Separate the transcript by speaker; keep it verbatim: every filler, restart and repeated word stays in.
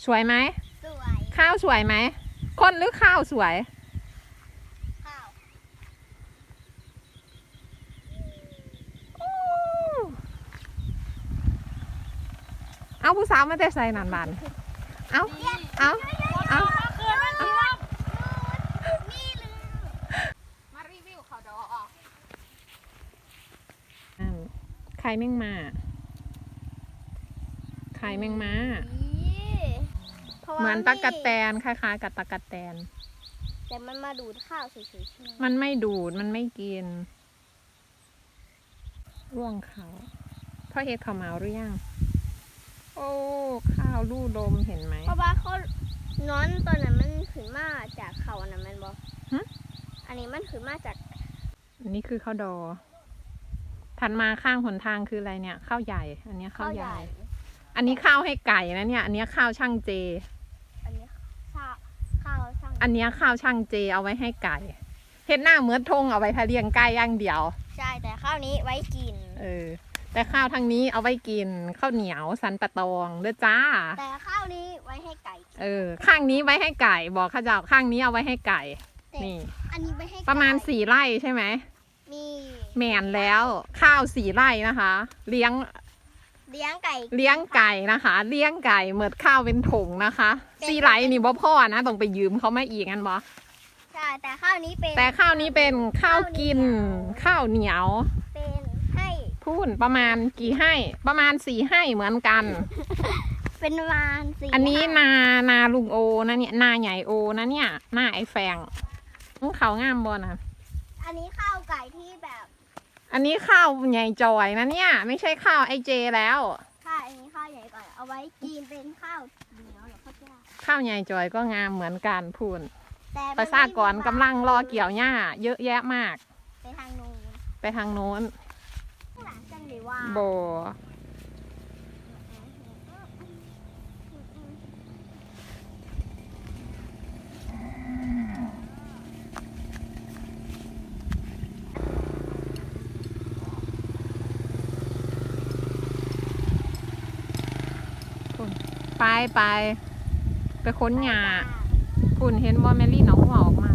Speaker 1: สวยไหม
Speaker 2: สวย
Speaker 1: ข้าวสวยไหมคนหรือข้าวสวย
Speaker 2: ข้าว
Speaker 1: เอาผู้สาวมาแต่ใส่นันบันเอาเอาเอามารีวิวเขาดอออกไข่แมงมาไข่แมงมาเหมือนตะกะแตนคล้ายๆกับตะกะแตน
Speaker 2: แต่มันมาดูดข้าวเฉยๆใช่ไหม
Speaker 1: มันไม่ดูดมันไม่กินร่วงเขาพ่อเฮ็ดข้าวเหมาหรือยังโอ้ข้าวลู่ลมเห็นไหม
Speaker 2: เพราะว่าเขานอนตอนนั้นมันขึ้นมาจากเขาอันนั้นมันบอกอันนี้มันขึ้นมาจาก
Speaker 1: อันนี้คือข้าวดอถัดมาข้างหนทางคืออะไรเนี่ยข้าวใหญ่อันนี้ข้าวใหญ่อันนี้ข้าวให้ไก่นะเนี่ยอันนี้ข้าวช่างเจ
Speaker 2: อันนี้ข้าวข้าวช่าง
Speaker 1: อันนี้ข้าวช่างเจเอาไว้ให้ไก่เฮ็ดหน้าเหมือนทงเอาไว้ทะเลียงไก่อย่างเดียว
Speaker 2: ใช่แต่ข้าวนี้ไว้กิน
Speaker 1: เออแต่ข้าวทางนี้เอาไว้กินข้าวเหนียวสันปะตองเด้อจ้า
Speaker 2: แต่ข้าวนี้ไว้ให้ไก่
Speaker 1: เออข้างนี้ไว้ให้ไก่บอกข้าเจ้าข้างนี้เอาไว้ให้ไก่นี่
Speaker 2: อันนี้ไว้ให้
Speaker 1: ประมาณสี่ไร่ใช่ไหม
Speaker 2: มี
Speaker 1: แม่นแล้วข้าวสี่ไร่นะคะเลี้ยง
Speaker 2: เลี้ยงไก่
Speaker 1: เลี้ยงไก่นะคะเลี้ยงไก่เหมือนข้าวเป็นถุงนะคะสี่ไร่นี่บ่พ่อนะต้องไปยืมเขามาอีกงั้นบ่
Speaker 2: ใช่แต่ข้าวนี้เป็น
Speaker 1: แต่ข้าวนี้เป็นข้าวกินข้าวเหนียว
Speaker 2: เป็นให้
Speaker 1: พูนประมาณกี่ให้ประมาณสี่ให้เหมือนกัน
Speaker 2: เป็นประมาณสี่
Speaker 1: อันนี้นานาลุงโอนะเนี่ยนาใหญ่โอนะเนี่ยหน้าไอ้แฟงเขางามบ่นะ
Speaker 2: อันนี้ข้าวไก่ที่แบบ
Speaker 1: อันนี้ข้าวใหญ่จอยนะเนี่ยไม่ใช่ข้าวไอเจแล้ว
Speaker 2: ค่ะอันนี้ข้าวใหญ่ก่อนเอาไว้กินเป็นข้าวเหนียวหรือข้าวเจ้า
Speaker 1: ข้าวใหญ่จอยก็งามเหมือนกันพูนประชากรกำลังรอเกี่ยวหญ้าเยอะแยะมาก
Speaker 2: ไปทางโน้น
Speaker 1: ไปทางโน้นโบไปไปไปค้นหญ้าคุณเห็นว่าแมรี่น้องหัวออกมา